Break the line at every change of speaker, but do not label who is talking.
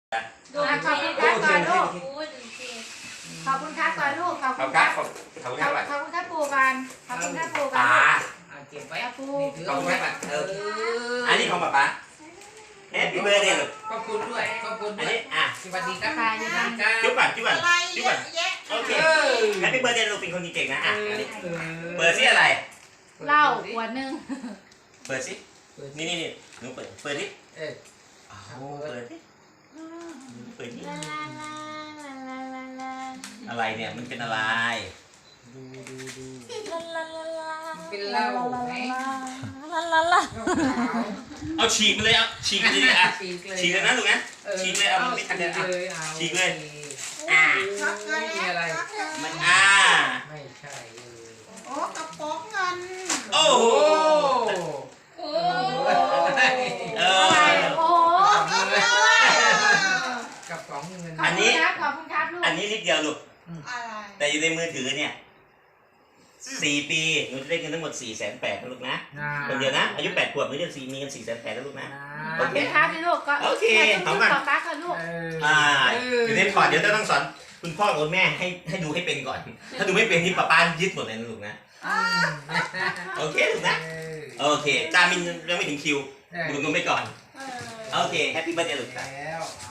ขอบคุณครับก่อนลูกขอบคุณครับก่อนลูกขอบคุณครับขอบคุณครับปู่กันขอบคุณครับปู่กัน
เก็บไว้
ปู่
ขอบคุณแม่อันนี้ของป๊าแฮปปี้เบิร์ดเดย์ลูก
ขอบคุณด้วยขอบคุณด้วยสวัสดีครับ
จุ๊บก่อนจุ๊บก่อนจุ๊บก่อนโอเคแฮปปี้เบิร์ดเดย์ลูกเป็นคนเก่งนะเปิดซิอะไร
เหล้าขวดนึง
เปิดซินี่หนูเปิดดิเปิดดิเปิดดิอะไรเนี่ยมันเป็นอะไร
เป็นเหล้าไหม
เอาฉีกเลยเอาฉีกเลยอ่ะฉีกเลยนะลูกนะฉีกเลยเอาไม่ทันเลยอ่ะฉีกเลย
มีอะไร
มัน
ไม่ใช่
โอ้กระป๋องเงิน
โอ้โห
โอ้
กระป๋องเงิน
อันนี้ขอบคุณครับลูก
อันนี้นิดเดียวลูกแต่อยู่ในมือถือเนี่ย4 ปีหนูจะได้เงินทั้งหมด480,000นะลูกนะคนเดียวนะอายุ8 ขวบหนูจะมีเงิน480,000นะลูกนะ
โอเคครับลูกก็
โอเค
ขอบคุณต่อตาค่ะลูก
อยู่ในพอร์ตเดี๋ยวต้องสอนคุณพ่อกับแม่ให้ดูให้เป็นก่อนถ้าดูไม่เป็นที่ป้ายึดหมดเลยนะลูกนะโอเคลูกนะโอเคจามินยังไม่ถึงคิวดูกันไปก่อนโอเคแฮปปี้เบิร์ดเดย์ลูก
แล้ว